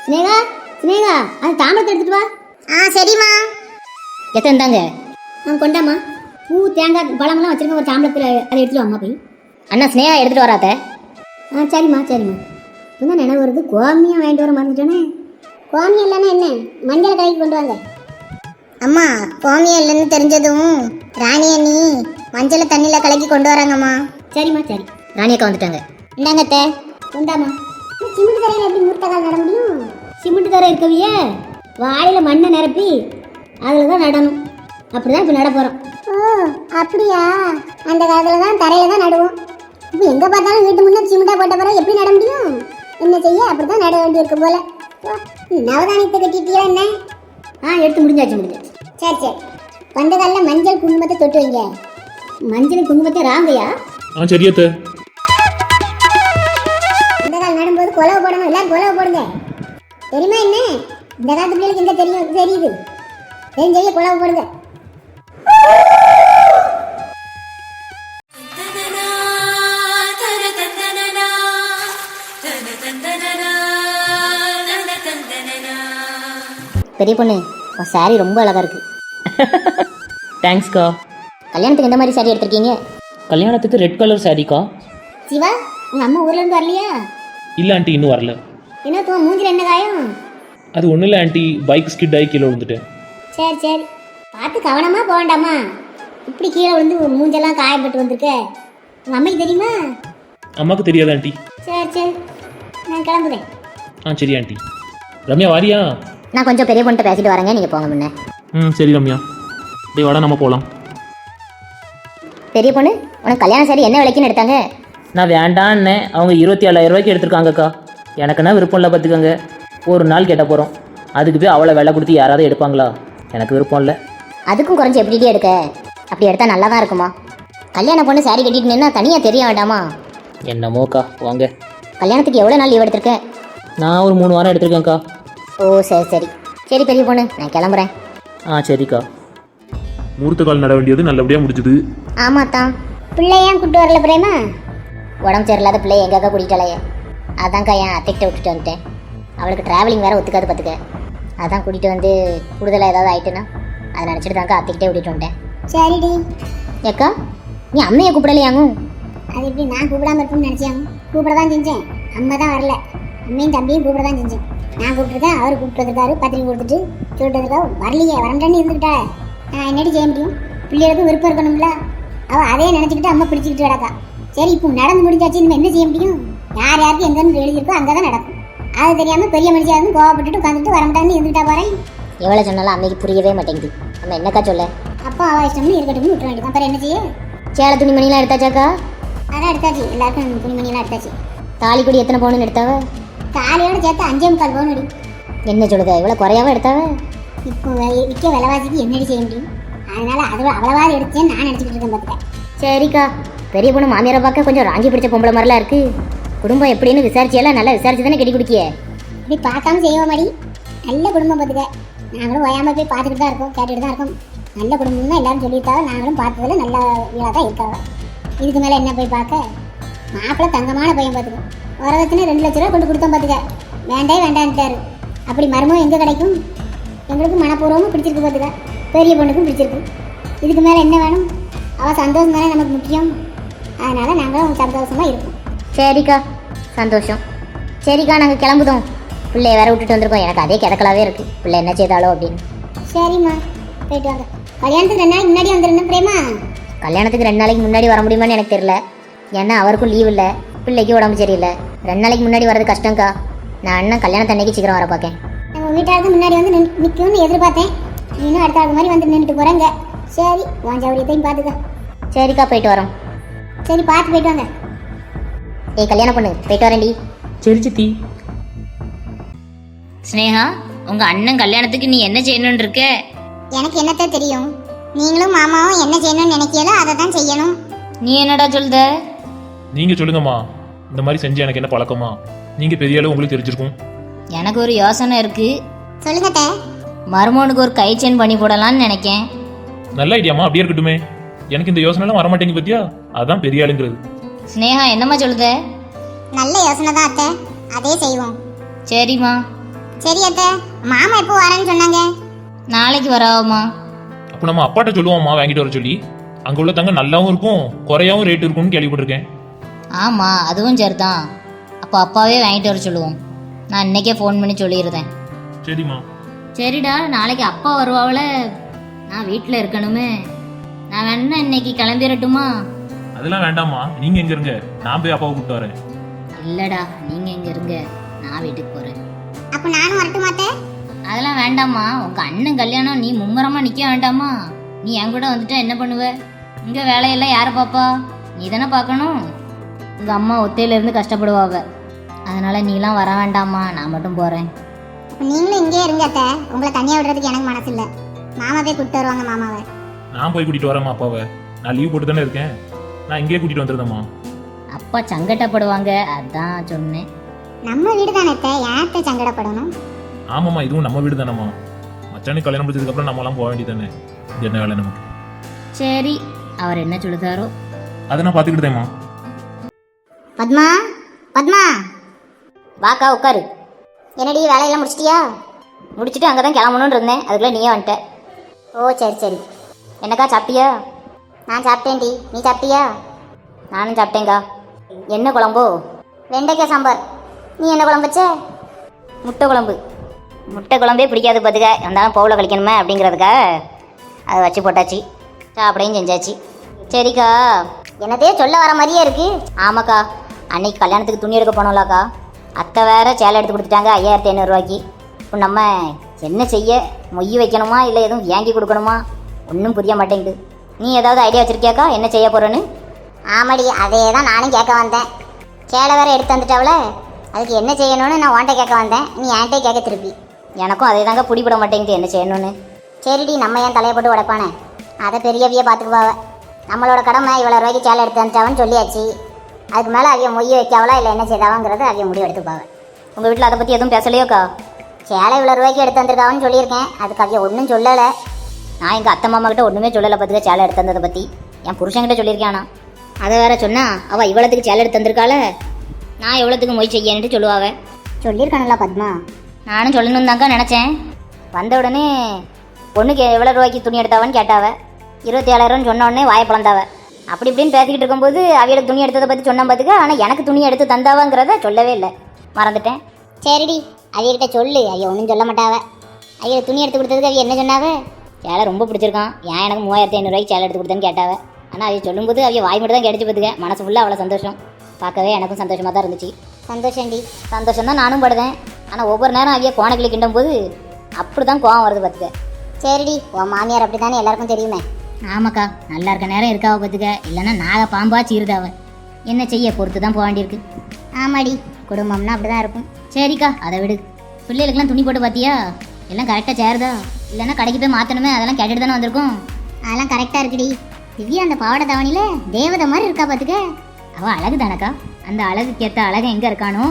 ஸ்னேகா ஸ்னேகா அது தாம்பரத்தை எடுத்துட்டு வா. சரிம்மா. எத்தனை தாங்க கொண்டாமா. பூ தேங்காய் பழமெல்லாம் வச்சிருக்க ஒரு தாம்பரத்தில் அதை எடுத்துட்டு வாம்மா போய். அண்ணா ஸ்னேகா எடுத்துட்டு வராத. சரிம்மா சரிம்மா. இப்போதான் நினைவு வருது, கோமியம் வாங்கிட்டு வர மறந்துட்டேனே. கோமியம் இல்லைன்னா என்ன, மஞ்சள் கடைக்கு கொண்டு வாங்க. அம்மா கோமியம் இல்லைன்னு தெரிஞ்சதும் ராணி அண்ணி மஞ்சளை தண்ணியில் கலக்கி கொண்டு வராங்கம்மா. சரிம்மா சரி. ராணியக்கா வந்துட்டாங்க. இந்தாங்க அத்தை. கொண்டாமா. சிமெண்ட் தரையில் எப்படி மூர்த்தக்கால் நட முடியும்? சிமெண்ட் தரை இருக்கவியே வாழையில் மண்ணை நிரப்பி அதில் தான் நடணும். அப்படிதான் இப்போ நட போகிறோம். ஓ அப்படியா? அந்த காலத்தில் தான் தரையில் தான் நடுவோம். இப்போ எங்கே பார்த்தாலும் வீட்டு முன்னே சிமெண்ட்டாக போட்ட பிறகு எப்படி நட முடியும்? என்ன செய்ய, அப்படி தான் நட வேண்டியிருக்கு போல. நவதானியத்தை கட்டிட்டியா என்ன? எடுத்து முடிஞ்சாச்சு. சரி சரி. பண்ட காலில் மஞ்சள் குங்குமத்தை தொட்டு வைங்க. மஞ்சள் குங்குமத்தை ராங்கையா? சரியத்த. இந்த கால் நடும்போது குலவை போடணும், எல்லாரும் குலவை போடுங்க. தெரியுமா என்ன? இந்த காலத்து பிள்ளைகளுக்கு எங்க தெரியும்? தெரியுது. தெரிஞ்ச குலவை போடுங்க. பெரிய பொண்ணு உன் சாரி ரொம்ப அழகா இருக்கு. தேங்க்ஸ்க்கா. கல்யாணத்துக்கு எந்த மாதிரி சாரி எடுத்திருக்கீங்க? கல்யாணத்துக்கு ரெட் கலர் சாரிக்கா. சிவா, உங்க அம்மா ஊர்ல இருந்து வரலையா? இல்லை ஆண்டி, இன்னும் வரல. என்ன தூ மூஞ்சில என்ன காயம்? அது ஒன்றும் இல்லை ஆண்டி, பைக் ஸ்கிட் ஆகி கீழே விழுந்துட்டேன். சரி சரி, பார்த்து கவனமா போக வேண்டாமா? இப்படி கீழே விழுந்து மூஞ்செல்லாம் காயப்பட்டு வந்திருக்க. உங்க அம்மைக்கு தெரியுமா? அம்மாவுக்கு தெரியாது ஆண்டி. சரி சரி, நான் கிளம்புறேன். சரி ஆண்டி. ரம்யா வாரியா? நான் கொஞ்சம் பெரிய பொண்ணு பேசிட்டு வரேங்க, நீங்கள் போங்க முன்ன. சரி ரம்யா. டேய் வாடா, நம்ம போகலாம். பெரிய பொண்ணு உனக்கு கல்யாண சாரி என்ன விலைக்குன்னு எடுத்தாங்க? நான் வேண்டான்னே, அவங்க 27,000 ரூபாய்க்கு எடுத்திருக்காங்கக்கா. எனக்குன்னா விருப்பம் இல்லை பார்த்துக்கோங்க. ஒரு நாள் கேட்ட போகிறோம், அதுக்கு போய் அவ்வளோ விலை கொடுத்து யாராவது எடுப்பாங்களா? எனக்கு விருப்பம் இல்லை. அதுக்கும் குறைஞ்சி எப்படிட்டே எடுக்க? அப்படி எடுத்தால் நல்லா தான் இருக்குமா? கல்யாண பொண்ணு சாரி கட்டிட்டு நின்னா தனியாக தெரிய வேண்டாமா? என்னமோக்கா வாங்க. கல்யாணத்துக்கு எவ்வளோ நாள் லீவ் எடுத்திருக்கேன்? நான் ஒரு 3 வாரம் எடுத்திருக்கேன்க்கா. ஓ சரி சரி. சரி பெரிய பொண்ணு, நான் கிளம்புறேன். சரிக்கா. மூர்த்த கால் நட வேண்டியது நல்லபடியாக முடிஞ்சுது. ஆமாத்தான். பிள்ளை ஏன் கூப்பிட்டு வரல பிரேமா? உடம்பு சரியில்லாத பிள்ளைய எங்கக்கா கூட்டிகிட்டாலையே, அதான்க்கா என் அத்தைக்கிட்ட விட்டுட்டு வந்துட்டேன். அவளுக்கு ட்ராவலிங் வேறு ஒத்துக்காது பார்த்துக்க. அதான் கூட்டிகிட்டு வந்து கூடுதலாக ஏதாவது ஆயிட்டுன்னா அதை நினச்சிட்டு தான்க்கா அத்தைக்கிட்டே விட்டுட்டு வந்துட்டேன். சரிடி. ஏக்கா நீ அம்மையை கூப்பிடலையாங்கும்? அது எப்படி நான் கூப்பிடாம இருப்பேன்னு நினச்சியாங்க? கூப்பிட தான் செஞ்சேன், அம்மா தான் வரல. அம்மையும் தம்பியும் கூப்பிட தான் செஞ்சேன். நான் கூப்பிட்டுருக்கேன், அவர் கூப்பிட்டு வந்துருக்காரு, பத்திரிக்கை கொடுத்துட்டு சொல்லிட்டு வந்துருக்கா. வரலையே, வரண்டேன்னு இருந்துக்கிட்டா நான் என்னடி செய்ய முடியும்? பிள்ளைகளுக்கும் விருப்பம் இருக்கணும்ல. அவள் அதே நினச்சிக்கிட்டு அம்மா பிடிச்சிக்கிட்டு கிடக்கா. சரி இப்போ நடந்து முடிஞ்சாச்சு, இனிமேல் என்ன செய்ய முடியும்? யார் யாருக்கு எங்கேருந்து எழுதியிருக்கோ அங்கே தான் நடக்கும். அது தெரியாமல் பெரிய மனுஷியாக இருந்து கோவப்பட்டுட்டு உட்காந்துட்டு வரமாட்டான்னு இருந்துட்டா பாரு. எவ்வளோ சொன்னாலும் அன்னைக்கு புரியவே மாட்டேங்குது. நம்ம என்னக்கா சொல்ல? அப்போ அவள் இஷ்டம்னு இருக்கட்டும்னு விட்டுற வேண்டியது. அப்புறம் என்ன செய்ய? சேலை துணிமணிலாம் எடுத்தாச்சாக்கா? அதான் எடுத்தாச்சு, எல்லாருக்கும் துணிமணியெல்லாம் எடுத்தாச்சு. தாலி கொடி எத்தனை பவுன் எடுத்தாவ? தாலியோட சேர்த்து 5.25 பவுன் அடி. என்ன சொல்லுதா, இவ்வளோ குறையாவ எடுத்தாவ? இப்போ விற்க விலைவாசிக்கு என்னடி செய்ய முடியும்? அதனால அது அவ்வளவாது எடுத்தேன்னு நான் நினச்சிக்கிட்டு இருக்கேன் பார்த்துக்க. சரிக்கா. பெரிய பொண்ணு மாமியாரை பார்க்க கொஞ்சம் ராங்கி பிடிச்ச பொம்பளை மாதிரிலாம் இருக்கு. குடும்பம் எப்படின்னு விசாரிச்சியெல்லாம் நல்லா விசாரிச்சு தானே கட்டி குடிக்கிய? இப்படி பார்க்காம செய்வோம் மாடி. நல்ல குடும்பம் பார்த்துக்க. நாங்களும் ஓயாமல் போய் பார்த்துக்கிட்டு தான் இருக்கோம், கேட்டுட்டு தான் இருக்கோம். நல்ல குடும்பம்னா எல்லாரும் சொல்லியிருக்காங்க, நாங்களும் பார்த்ததுல நல்ல வீடாக தான் இருக்காங்க. இதுக்கு மேலே என்ன போய் பார்க்க? மாப்பிள்ளை தங்கமான பையன் பார்த்துக்க. வரதட்சணை 2 லட்ச ரூபா கொண்டு கொடுத்தோம் பார்த்துக்க. வேண்டான்ட்டாரு. அப்படி மருமம் எங்கே கிடைக்கும்? எங்களுக்கு மனப்பூர்வமும் பிடிச்சிருக்கு பார்த்துக்க, பெரிய பொண்ணுக்கும் பிடிச்சிருக்கு. இதுக்கு மேலே என்ன வேணும்? அவள் சந்தோஷம் தானே நமக்கு முக்கியம். அதனால் நாங்களும் சந்தோஷமாக இருக்கோம். சரிக்கா, சந்தோஷம். சரிக்கா, நாங்கள் கிளம்புதோம். பிள்ளைய வேற விட்டுட்டு வந்திருக்கோம். எனக்கு அதே கிடக்கலாவே இருக்குது, பிள்ளை என்ன செய்தாலோ அப்படின்னு. சரிம்மா, போயிட்டு வாங்க. கல்யாணத்துக்கு 2 நாளைக்கு முன்னாடி வந்துருந்தேன் பிரேமா. கல்யாணத்துக்கு 2 நாளைக்கு முன்னாடி வர முடியுமான்னு எனக்கு தெரியல. ஏன்னா அவருக்கும் லீவ் இல்லை, பிள்ளைக்கு உடம்பு சரியில்லை. 2 நாளைக்கு முன்னாடி வரது கஷ்டம்க்கா. நான் அண்ணன் கல்யாணத்து அன்னைக்கு சீக்கிரம் வர பார்க்கேன். நம்ம வீட்டாருக்கு முன்னாடி வந்து நிற்கும்னு எதிர்பார்த்தேன். இன்னும் அடுத்த ஆள் மாதிரி வந்து நின்றுட்டு போகிறேங்க. சரி, உன் சௌரியத்தையும் பார்த்துக்க. சரிக்கா, போயிட்டு வரோம். சரி, பார்த்து போயிட்டு வாங்க. ஏய் கல்யாணம் பொண்ணு, போயிட்டு வரேன்டி. சரி சித்தி. ஸ்னேகா, உங்க அண்ணன் கல்யாணத்துக்கு நீ என்ன செய்யணும்னு இருக்க? எனக்கு என்னத்தான் தெரியும்? நீங்களும் மாமாவும் என்ன செய்யணும்னு நினைக்கிறதோ அதை தான் செய்யணும். நீ என்னடா சொல்லுத? நீங்கள் சொல்லுங்கம்மா, இந்த மாதிரி செஞ்சு எனக்கு என்ன பழக்கமா? நீங்கள் பெரிய அளவு உங்களுக்கு தெரிஞ்சிருக்கும். எனக்கு ஒரு யோசனை இருக்கு. சொல்லுங்க. மருமகனுக்கு ஒரு கை செயின் பண்ணி போடலான்னு நினைக்கேன். நல்ல ஐடியாமா, அப்படியே இருக்கட்டுமே. எனக்கு இந்த யோசனைலாம் வரமாட்டேங்க பத்தியா? அதான் பெரிய ஆளுங்கிறது. ஸ்னேகா, என்னம்மா சொல்லுத? நல்ல யோசனை தான் அத்தை, அதே செய்வோம். சரிம்மா. சரி அத்தை, மாமா எப்போ வரேன்னு சொன்னாங்க? நாளைக்கு வராமா? அப்போ நம்ம அப்பாட்ட சொல்லுவோம்மா வாங்கிட்டு வர சொல்லி. அங்கே உள்ள தங்க நல்லாவும் இருக்கும், குறையாவும் ரேட் இருக்கும்னு கேள்விப்பட்டிருக்கேன். ஆமாம், அதுவும் சரிதான். அப்போ அப்பாவே வாங்கிட்டு வர சொல்லுவோம். நான் இன்னைக்கே ஃபோன் பண்ணி சொல்லிடுறேன். சரிம்மா. சரிடா, நாளைக்கு அப்பா வருவாவில, நான் வீட்டில் இருக்கணுமே. நான் வேணா இன்னைக்கு கிளம்பிடட்டுமா? அதெல்லாம் வேண்டாம்மா, நீங்க எங்க இருங்க, நான் போய் அப்பாவை கூப்பிட்டு வரேன். இல்லைடா, நீங்கள் இங்கே இருங்க, நான் வீட்டுக்கு போகிறேன். அப்போ நானும் வரட்டுமா அத்தை? அதெல்லாம் வேண்டாம்மா, உங்கள் அண்ணன் கல்யாணம், நீ மும்முரமாக நிற்க வேண்டாமா? நீ என் கூட வந்துட்டா என்ன பண்ணுவ? இங்கே வேலையெல்லாம் யாரை பாப்பா? நீ தானே பார்க்கணும். உங்கள் அம்மா ஒத்தையிலேருந்து கஷ்டப்படுவாங்க. அதனால் நீலாம் வர வேண்டாம்மா, நான் மட்டும் போகிறேன். அப்போ நீங்களும் இங்கே இருங்க அத்தை. உங்களை தனியாக விடுறதுக்கு எனக்கு மனசு இல்லை. மாமா போய் கூப்பிட்டு வருவாங்க மாமாவை. நான் போய் கூட்டிட்டு வரேம்மா அப்பாவை. நான் லீவ் போட்டு தானே இருக்கேன், நான் இங்கேயே கூட்டிட்டு வந்துருந்தேம்மா. அப்பா சங்கட்டப்படுவாங்க, அதான் சொன்னேன். நம்ம வீடு தானே அத்தை, ஏன் சங்கடப்படணும்? ஆமாம்மா, இதுவும் நம்ம வீடு தானேம்மா. மச்சானுக்கு கல்யாணம் முடிச்சதுக்கப்புறம் நம்மலாம் போக வேண்டியது தானே. இது என்ன வேலை நமக்கு? சரி, அவர் என்ன சொல்லுதாரோ. அதை நான் பார்த்துக்கிட்டேம்மா. பத்மா, பத்மா, வாக்கா உட்காரு. என்னடி வேலையெல்லாம் முடிச்சிட்டியா? முடிச்சுட்டு அங்கே தான் கிளம்பணுன்னு இருந்தேன், அதுக்குள்ளே நீயே வந்துட்ட. ஓ சரி சரி. என்னக்கா சாப்பிட்டியா? நான் சாப்பிட்டேன்டி, நீ சாப்பிட்டியா? நானும் சாப்பிட்டேங்க்கா. என்ன குழம்போ? வெண்டைக்காய் சாம்பார். நீ என்ன குழம்பு வச்ச? முட்டை குழம்பு. முட்டை குழம்பே பிடிக்காது பார்த்துக்க, இருந்தாலும் பவுல கழிக்கணுமே அப்படிங்கிறதுக்கா அதை வச்சு போட்டாச்சு, சாப்பிடையும் செஞ்சாச்சு. சரிக்கா, என்னத்தையே சொல்ல வர மாதிரியே இருக்கு. ஆமாக்கா, அன்னைக்கு கல்யாணத்துக்கு துணி எடுக்க போனோம்லக்கா, அத்தை வேற சேலை எடுத்து கொடுத்துட்டாங்க 5500 இப்போ நம்ம என்ன செய்ய? மொய் வைக்கணுமா இல்லை எதுவும் வாங்கி கொடுக்கணுமா? ஒன்றும் புரிய மாட்டேங்குது. நீ ஏதாவது ஐடியா வச்சுருக்கியாக்கா என்ன செய்ய போகிறேன்னு? ஆமாடி, அதே தான் நானும் கேட்க வந்தேன். சேலை வேற எடுத்து வந்துட்டாவல, அதுக்கு என்ன செய்யணும்னு நான் உன்கிட்ட கேட்க வந்தேன். நீ என்கிட்ட கேட்க திருப்பி. எனக்கும் அதே தாங்க பிடிபட மாட்டேங்குது என்ன செய்யணும்னு. சரிடி, நம்ம ஏன் தலையை போட்டு உடைப்பானே, அதை பெரியவிய பார்த்துக்குவாவ. நம்மளோட கடமை இவ்வளோ ரூபாய்க்கு சேலை எடுத்து வந்துட்டாவன்னு சொல்லியாச்சு. அதுக்கு மேலே அவைய மொய் வைக்காவளா இல்லை என்ன செய்தாவாங்கிறது அவைய முடிவு எடுத்துப்பாவ. உங்கள் வீட்டில் அதை பற்றி எதுவும் பேசலையோக்கா? சேலை இவ்வளோ ரூபாய்க்கு எடுத்து வந்திருக்காவன்னு சொல்லியிருக்கேன், அதுக்கு அவைய ஒன்றும் சொல்லலை. நான் எங்கள் அத்தை மாமா கிட்ட ஒன்றுமே சொல்லலை பார்த்துக்க சேலை எடுத்து வந்ததை பற்றி. என் புருஷன்கிட்ட சொல்லியிருக்கேன். ஆனால் அதை வேற சொன்னா அவள் இவ்வளோத்துக்கு சேலை எடுத்து வந்திருக்காள, நான் எவ்வளோத்துக்கு மொய் செய்யன்ட்டு சொல்லுவாவ. சொல்லியிருக்கானல்ல பத்மா. நானும் சொல்லணும் தாங்க நினச்சேன். வந்த உடனே பொண்ணுக்கு எவ்வளோ ரூபாய்க்கு துணி எடுத்தாவன்னு கேட்டாவ. 27,000 சொன்ன உடனே வாயை பிளந்தாவ. அப்படி இப்படின்னு பேசிக்கிட்டு இருக்கும்போது அவிகளுக்கு துணி எடுத்ததை பற்றி சொன்ன பார்த்துக்க, ஆனால் எனக்கு துணி எடுத்து தந்தாவாங்கிறத சொல்லவே இல்லை, மறந்துட்டேன். சரிடி, அவியகிட்ட சொல்லு, அவைய ஒன்றும் சொல்ல மாட்டாவ. அவைய துணி எடுத்து கொடுத்ததுக்கு அவைய என்ன சொன்னாவ? சேலை ரொம்ப பிடிச்சிருக்கான், ஏன் எனக்கு 3500 சேலை எடுத்து கொடுத்தேன்னு கேட்டாவ. ஆனால் அவைய சொல்லும்போது அவைய வாய் மட்டும் தான் கிடைச்சி பார்த்துக்க, மனசு ஃபுல்லாக அவ்வளோ சந்தோஷம். பார்க்கவே எனக்கும் சந்தோஷமாக தான் இருந்துச்சு. சந்தோஷம்டி. சந்தோஷம் தான் நானும் படுதேன். ஆனால் ஒவ்வொரு நேரம் அவைய கோணக்கிளி கிண்டும் போது அப்படி தான் கோவம் வருது பார்த்துக்க. சரிடி, உன் மாமியார் அப்படி தானே எல்லாருக்கும் தெரியுமே. ஆமாக்கா, நல்லா இருக்க நேரம் இருக்காவ பார்த்துக்க, இல்லைன்னா நாக பாம்பா சீருதாவ. என்ன செய்ய, பொறுத்து தான் போக வேண்டியிருக்கு. ஆமாடி, குடும்பம்னா அப்படி தான் இருக்கும். சரிக்கா, அதை விடு. பிள்ளைகளுக்கெல்லாம் துணி போட்டு பார்த்தியா? எல்லாம் கரெக்டாக சேருதா? இல்லைன்னா கடைக்கு போய் மாற்றணுமே, அதெல்லாம் கேட்டுட்டு தானே வந்திருக்கோம். அதெல்லாம் கரெக்டாக இருக்குடி. திவ்யா அந்த பாவாடை தாவணியில் தேவதை மாதிரி இருக்கா பார்த்துக்க. அவள் அழகு தானக்கா, அந்த அழகுக்கு ஏற்ற அழகு எங்கே இருக்கானோ.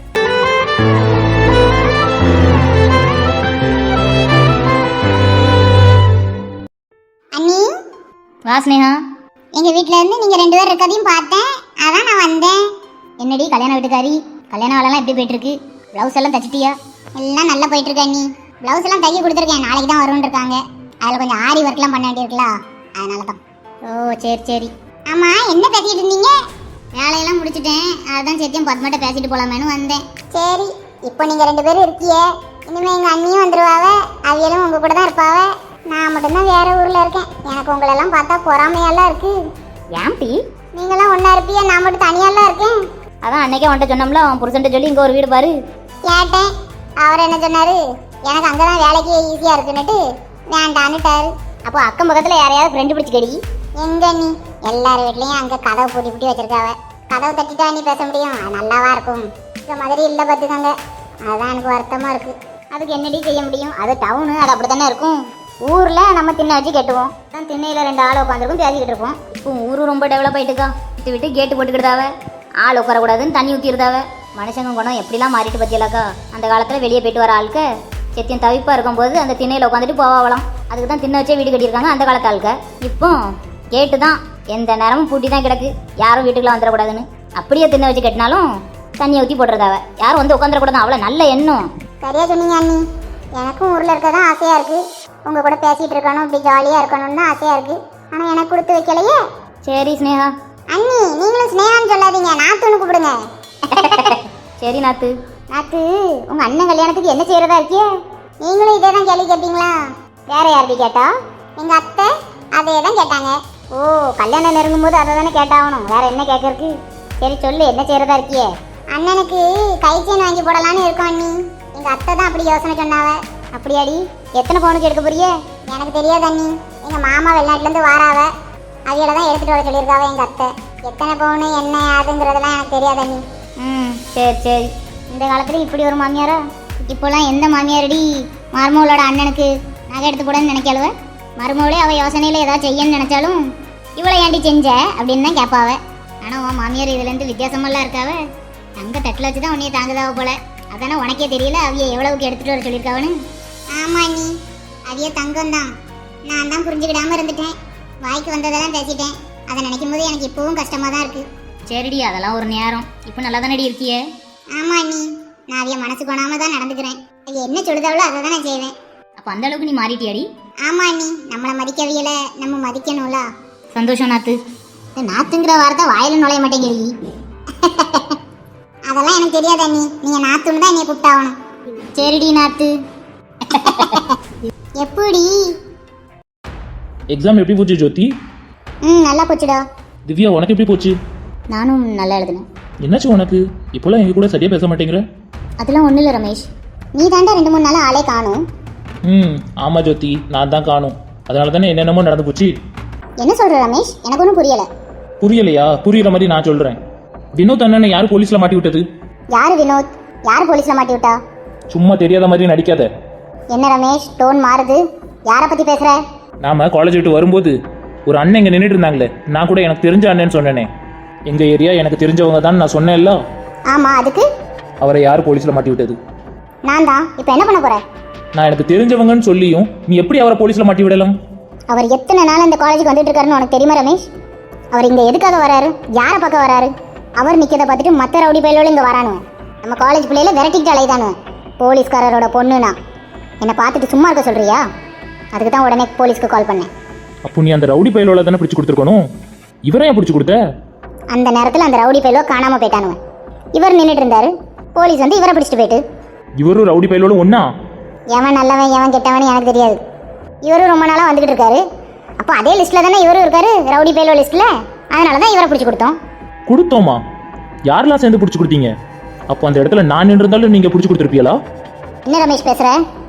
அண்ணி, வாஸ்னேகா, எங்கள் வீட்டில் இருந்து நீங்கள் 2 பேர் இருக்கதையும் பார்த்தேன், அதான் நான் வந்தேன். என்னடி கல்யாண வீட்டுக்காரி, கல்யாண வேலைலாம் எப்படி போயிட்டுருக்கு? ப்ளவுஸ் எல்லாம் தச்சிட்டியா? எல்லாம் நல்லா போயிட்டுருக்கு அண்ணி. ப்ளவுஸ் எல்லாம் தைக்க கொடுத்துருக்கேன், நாளைக்கு தான் வரும்னு இருக்காங்க. அதில் கொஞ்சம் ஆரி ஒர்க்லாம் பண்ண வேண்டியிருக்குல்ல, அதனால தான். ஓ சரி சரி. ஆமாம், என்ன பேசிகிட்டு இருந்தீங்க? வேலையெல்லாம் முடிச்சிட்டேன், அதுதான் சத்தியம் பத்மாட்ட பேசிட்டு போகலாமேனு வந்தேன். சரி, இப்போ நீங்கள் 2 பேரும் இருக்கியே, இனிமேல் எங்கள் அண்ணியும் வந்துடுவாவ, அவியலும் உங்கள் கூட தான் இருப்பாவ. நான் மட்டும்தான் வேற ஊரில் இருக்கேன். எனக்கு உங்களெல்லாம் பார்த்தா பொறாமையெல்லாம் இருக்குது. ஏன்டி? நீங்களாம் ஒன்றா இருப்பிய, நான் மட்டும் தனியாலாம் இருக்கேன். அதான் அன்னைக்கே வந்துட்டு சொன்னோம்ல, அவன் புருஷன்ட்ட சொல்லி இங்கே ஒரு வீடு பாரு. கேட்டேன், அவர் என்ன சொன்னார்? எனக்கு அங்கே தான் வேலைக்கு ஈஸியாக இருக்குன்னுட்டு வேண்டான்னுட்டாரு. அப்போ அக்கம் பக்கத்தில் யாரையாவது ஃப்ரெண்டு பிடிச்சி கடி. எங்க நீ எல்லார் வீட்லேயும் அங்கே கதவை பூட்டி பூட்டி வச்சிருக்காவ. கதவை தட்டிட்டா நீ பேச முடியும்? அது நல்லாவா இருக்கும்? இந்த மாதிரி இல்லை பார்த்துக்கோங்க, அதுதான் எனக்கு வருத்தமாக இருக்குது. அதுக்கு என்னடி செய்ய முடியும்? அது டவுனு, அது அப்படி தானே இருக்கும். ஊரில் நம்ம திண்ணை வச்சு கெட்டுவோம், தான் திண்ணையில் 2 ஆள் உட்காந்துருக்கும், பேசிக்கிட்டு இருப்போம். இப்போ ஊர் ரொம்ப டெவலப் ஆகிட்டுக்கா, விட்டு விட்டு கேட்டு போட்டுக்கிட்டாவ, ஆள் உட்காரக்கூடாதுன்னு தண்ணி ஊற்றிருந்தாவ. மனுஷங்க குணம் எப்படிலாம் மாறிட்டு பற்றியலாக்கா. அந்த காலத்தில் வெளியே போயிட்டு வர ஆளுக்கு செத்தியம் தவிப்பாக இருக்கும்போது அந்த திண்ணையில் உட்காந்துட்டு போவாங்களாம். அதுக்கு தான் திண்ணை வச்சே வீடு கட்டியிருக்காங்க அந்த காலத்து ஆளுக்க. இப்போ கேட்டு தான் எந்த நேரமும் பூட்டி தான் கிடக்கு, யாரும் வீட்டுக்குலாம் வந்துடக்கூடாதுன்னு. அப்படியே திண்ணை வச்சு கட்டினாலும் தண்ணியை ஊற்றி போட்டுறதாவ, யாரும் வந்து உட்காந்துடக்கூடாது. அவ்வளோ நல்ல எண்ணம். சரியா சொன்னீங்க அண்ணி. எனக்கும் ஊரில் இருக்க தான் ஆசையாக இருக்குது. உங்கள் கூட பேசிகிட்டு இருக்கணும், இப்படி ஜாலியாக இருக்கணும்னு தான் ஆசையாக இருக்குது. ஆனால் எனக்கு கொடுத்து வைக்கலையே. சரி ஸ்னேகா. அண்ணி நீங்களும் ஸ்னேகான்னு சொல்லாதீங்க, நாத்துன்னு கூப்பிடுங்க. சரி நாத்து. நாத்து, உங்கள் அண்ணன் கல்யாணத்துக்கு என்ன செய்கிறதா இருக்கியே? நீங்களும் இதே தான் கேள்வி கேட்பீங்களா? வேற யார்டி கேட்டா? எங்கள் அத்தை அதே தான் கேட்டாங்க. ஓ, கல்யாணம் நெருங்கும் போது அதை தானே கேட்டாகணும், வேற என்ன கேட்கறதுக்கு? சரி சொல்லு, என்ன செய்கிறதா இருக்கியே? அண்ணனுக்கு கை செயின் வாங்கி போடலான்னு இருக்கோம் அண்ணி. எங்கள் அத்தை தான் அப்படி யோசனை சொன்னாவ. அப்படியாடி? எத்தனை பவுனுக்கு எடுக்க போறியே? எனக்கு தெரியாது அண்ணி. எங்கள் மாமா வெளிநாட்டிலேருந்து வாராவ, அவையில தான் எடுத்துகிட்டு வர சொல்லியிருக்காவ எங்கள் அத்தை. எத்தனை பவுனு என்ன அதுங்கிறதெல்லாம் எனக்கு தெரியாது அண்ணி. சரி சரி. இந்த காலத்துல இப்படி ஒரு மாமியாரா? இப்போலாம் எந்த மாமியாரடி மருமகளோட அண்ணனுக்கு நகை எடுத்து போடன்னு நினைக்காளுவ? மருமகளே அவள் யோசனையில் ஏதாவது செய்யன்னு நினச்சாலும் இவளை ஏண்டி செஞ்ச அப்படின்னு தான் கேட்பாவ. ஆனால் உன் மாமியார் இதுலேருந்து வித்தியாசமெல்லாம் இருக்காவ. தங்க தட்டில் வச்சு தான் உன்னைய தாங்குதாவ போல. அதானே உனக்கே தெரியல அவைய எவ்வளவுக்கு எடுத்துகிட்டு வர சொல்லியிருக்காவன்னு. ஆமாம் நீ அவைய தங்கம் தான். நான் தான் புரிஞ்சுக்கிடாமல் இருந்துட்டேன். வாய்க்கு வந்ததெல்லாம் பேசிட்டேன். அதை நினைக்கும் போது எனக்கு இப்போவும் கஷ்டமாக தான் இருக்குது. சரிடி, அதெல்லாம் ஒரு நேரம். இப்போ நல்லா தானடி இருக்கியே? ஆமா நீ, நான் அவைய மனசு கொணாம தான் நடந்துக்கிறேன். அது என்ன சொல்லுதாவளோ அதை தான் நான் செய்வேன். அப்போ அந்த அளவுக்கு நீ மாறிட்டியாடி? ஆமா நீ, நம்மளை மதிக்கவியல நம்ம மதிக்கணும்ல. சந்தோஷம் நாத்து. இந்த நாத்துங்கிற வார்த்தை வாயில நுழைய மாட்டேங்கிறீ. அதெல்லாம் எனக்கு தெரியாத நீ, நீங்க நாத்துன்னு தான் என்னைய கூப்பிட்டாகணும். சரிடி நாத்து. எப்படி? எக்ஸாம் எப்படி போச்சு ஜோதி? நல்லா போச்சுடா. திவ்யா உனக்கு எப்படி போச்சு? நானும் நல்லா எழுதுனேன். என்னாச்சு உனக்கு? இப்போலாம் எங்க கூட சரியா பேச மாட்டேங்கிற? அதெல்லாம் ஒன்றும் இல்லை ரமேஷ், நீ தாண்டா 2-3 நாள் ஆளே காணும். ஆமா ஜோதி, நான் தான் காணும். அதனால தானே என்னென்னமோ நடந்து போச்சு. என்ன சொல்ற ரமேஷ்? எனக்கு ஒன்றும் புரியல. புரியலையா? புரியுற மாதிரி நான் சொல்றேன். வினோத் அண்ணனை யார் போலீஸ்ல மாட்டி விட்டது? யாரு வினோத்? யார் போலீஸ்ல மாட்டி விட்டா? சும்மா தெரியாத மாதிரி நடிக்காத. என்ன ரமேஷ் டோன் மாறுது? யாரை பத்தி பேசுற? நாம காலேஜ் விட்டு வரும்போது ஒரு அண்ணன் இங்க நின்றுட்டு இருந்தாங்களே, நான் கூட எனக்கு தெரிஞ்ச அண்ணன்னு சொன்னேனே. எங்க ஏரியா எனக்கு தெரிஞ்சவங்க தான் நான் சொன்னேன்ல. ஆமா, அதுக்கு? அவரை யார் போலீஸ்ல மாட்டி விட்டது? நான் தான். இப்போ என்ன பண்ண போற? நான் எனக்கு தெரிஞ்சவங்கன்னு சொல்லியும் நீ எப்படி அவரை போலீஸ்ல மாட்டி விடலாம்? அவர் எத்தனை நாள் இந்த காலேஜுக்கு வந்துட்டு இருக்காருன்னு உனக்கு தெரியுமா ரமேஷ்? அவர் இங்க எதுக்காக வராரு? யாரை பார்க்க வராரு? அவர் நிக்கிறத பார்த்துட்டு மற்ற ரவுடி பயிலோடு இங்க வரானு. நம்ம காலேஜ் பிள்ளையில விரட்டிக்கிட்டு அலைதானு. போலீஸ்காரரோட பொண்ணுனா என்னை பார்த்துட்டு சும்மா இருக்க சொல்றியா? அதுக்கு தான் உடனே போலீஸ்க்கு கால் பண்ணேன். அப்போ நீ அந்த ரவுடி பயிலோட தானே பிடிச்சி கொடுத்துருக்கணும். இவரை ஏன் பிடிச்சி கொடுத்த? அந்த நேரத்தில் அந்த ரவுடி பயிலோ காணாம போயிட்டானுவன். இவர் நின்றுட்டு இருந்தாரு, போலீஸ் வந்து இவரை பிடிச்சிட்டு போயிட்டு. இவரும் ரவுடி பயிலோட ஒன்னா? எவன் நல்லவன் எவன் கெட்டவன் எனக்கு தெரியாது. இவரும் ரொம்ப நாளாக வந்துகிட்டு இருக்காரு. அப்போ அதே லிஸ்ட்டில் தானே இவரும் இருக்காரு, ரவுடி பயிலோ லிஸ்ட்டில். அதனால தான் இவரை பிடிச்சி கொடுத்தோமா? யாரெல்லாம் சேர்ந்து பிடிச்சி கொடுத்தீங்க? அப்போ அந்த இடத்துல நான் நின்று இருந்தாலும் நீங்க பிடிச்சி கொடுத்துருப்பீங்களா? என்ன ரமேஷ் பேசுற?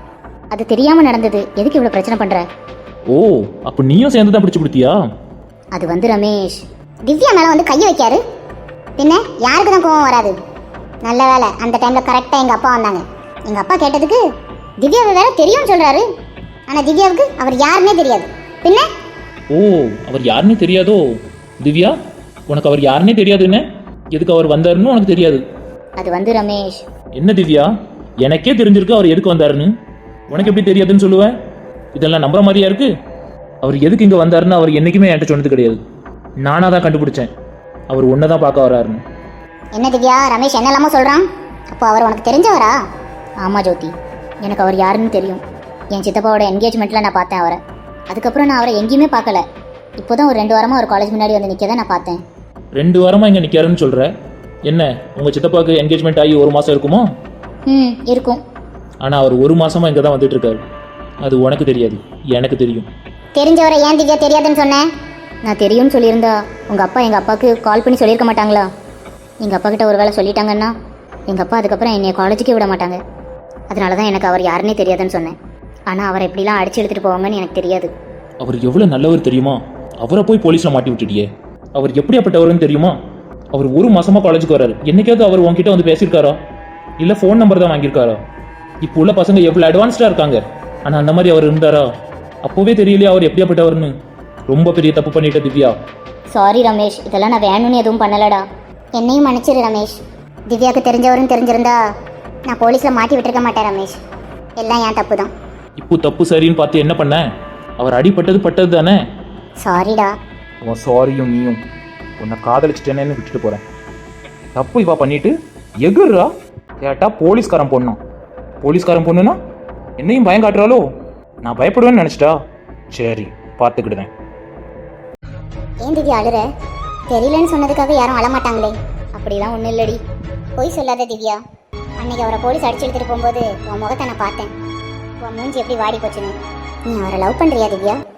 அது தெரியாம நடந்தது, எதுக்கு இவ்வளவு பிரச்சனை பண்ற? ஓ, அப்போ நீயும் சேர்ந்து தான் பிடிச்சி கொடுத்தியா? அது வந்து ரமேஷ், திவ்யா மேலே வந்து கையை வைக்காரு. பின்ன யாருக்கு தான் கோவம் வராது? நல்ல வேலை அந்த டைமில் கரெக்டாக எங்கள் அப்பா வந்தாங்க. எங்கள் அப்பா கேட்டதுக்கு திவ்யாவை வேற தெரியும்னு சொல்கிறாரு. ஆனால் திவ்யாவுக்கு அவர் யாருன்னே தெரியாது. பின்ன ஓ, அவர் யாருன்னு தெரியாதோ? திவ்யா, உனக்கு அவர் யாருன்னே தெரியாதுன்னு எதுக்கு அவர் வந்தாருன்னு உனக்கு தெரியாது? அது வந்து ரமேஷ். என்ன திவ்யா, எனக்கே தெரிஞ்சிருக்கு அவர் எதுக்கு வந்தாருன்னு. உனக்கு எப்படி தெரியாதுன்னு சொல்லுவேன்? இதெல்லாம் நம்புற மாதிரியா இருக்கு? அவர் எதுக்கு இங்கே வந்தாருன்னு அவர் என்னைக்குமே என்கிட்ட சொன்னது கிடையாது. நானாக தான் கண்டுபிடிச்சேன் அவர் ஒன்றை தான் பார்க்க வராருன்னு. என்ன திவ்யா, ரமேஷ் என்னெல்லாமோ சொல்கிறான். அப்போ அவர் உனக்கு தெரிஞ்சவரா? ஆமா ஜோதி, எனக்கு அவர் யாருன்னு தெரியும். என் சித்தப்பாவோட என்கேஜ்மெண்ட்டில் நான் பார்த்தேன் அவரை. அதுக்கப்புறம் நான் அவரை எங்கேயுமே பார்க்கல. இப்போதான் ஒரு 2 வாரமாக ஒரு காலேஜ் முன்னாடி வந்து நிற்க தான் நான் பார்த்தேன். 2 வாரமாக இங்கே நிற்காருன்னு சொல்கிற? என்ன, உங்கள் சித்தப்பாவுக்கு என்கேஜ்மெண்ட் ஆகி 1 மாதம் இருக்குமோ? இருக்கும். ஆனால் அவர் 1 மாதமாக இங்கே தான் வந்துட்டு இருக்காரு. அது உனக்கு தெரியாது, எனக்கு தெரியும். தெரிஞ்சவரை ஏன் திவ்யா தெரியாதுன்னு சொன்னேன்? நான் தெரியும்னு சொல்லியிருந்தா உங்கள் அப்பா எங்கள் அப்பாவுக்கு கால் பண்ணி சொல்லியிருக்க மாட்டாங்களா? எங்கள் அப்பா கிட்ட ஒரு வேளை சொல்லிட்டாங்கன்னா எங்கள் அப்பா அதுக்கப்புறம் என்னை காலேஜுக்கே விட மாட்டாங்க. அதனால தான் எனக்கு அவர் யாருன்னே தெரியாதுன்னு சொன்னேன். ஆனால் அவரை எப்படிலாம் அடிச்சு எடுத்துகிட்டு போவாங்கன்னு எனக்கு தெரியாது. அவர் எவ்வளோ நல்லவர் தெரியுமா? அவரை போய் போலீஸில் மாட்டி விட்டுட்டியே. அவர் எப்படியாப்பட்டவர்னு தெரியுமா? அவர் 1 மாசமாக காலேஜுக்கு வராரு. என்னைக்காவது அவர் உங்ககிட்ட வந்து பேசியிருக்காரா? இல்லை ஃபோன் நம்பர் தான் வாங்கியிருக்காரா? இப்போ உள்ள பசங்க எவ்வளோ அட்வான்ஸ்டாக இருக்காங்க. ஆனால் அந்த மாதிரி அவர் இருந்தாரா? அப்போவே தெரியலையா அவர் எப்படியாப்பட்டவர்னு? ரொம்ப பெரிய தப்பு பண்ணிட்ட திவ்யா. சாரி ரமேஷ், இதெல்லாம் நான் வேணும்னு எதுவும் பண்ணலடா. என்னையும் மன்னிச்சிரு ரமேஷ். திவ்யாவுக்கு தெரிஞ்சவருன்னு தெரிஞ்சிருந்தா நான் போலீஸில் மாட்டி விட்டுருக்க மாட்டேன் ரமேஷ். எல்லாம் என் தப்பு தான். இப்போ தப்பு சரின்னு பார்த்து என்ன பண்ண? அவர் அடிப்பட்டது பட்டது தானே. சாரிடா. உன் சாரியும் நீயும் உன்னை காதலிச்சிட்டேன்னு விட்டுட்டு போகிறேன். தப்பு இவா பண்ணிட்டு எகுறா கேட்டா போலீஸ்காரன் பொண்ணும். போலீஸ்காரன் பொண்ணுனா என்னையும் பயம் காட்டுறாளோ? நான் பயப்படுவேன்னு நினச்சிட்டா? சரி, பார்த்துக்கிடுதேன். ஏன் திவ்யா அழுற? தெரியலன்னு சொன்னதுக்காக யாரும் அழமாட்டாங்களே. அப்படிலாம் ஒன்றும் இல்லடி. பொய் சொல்லாத திவ்யா. அன்னைக்கு அவரை போலீஸ் அடிச்சு எடுத்துட்டு போகும்போது உன் முகத்தை நான் பார்த்தேன். உன் மூஞ்சி எப்படி வாடி போச்சுன்னு. நீ அவரை லவ் பண்ணுறியா திவ்யா?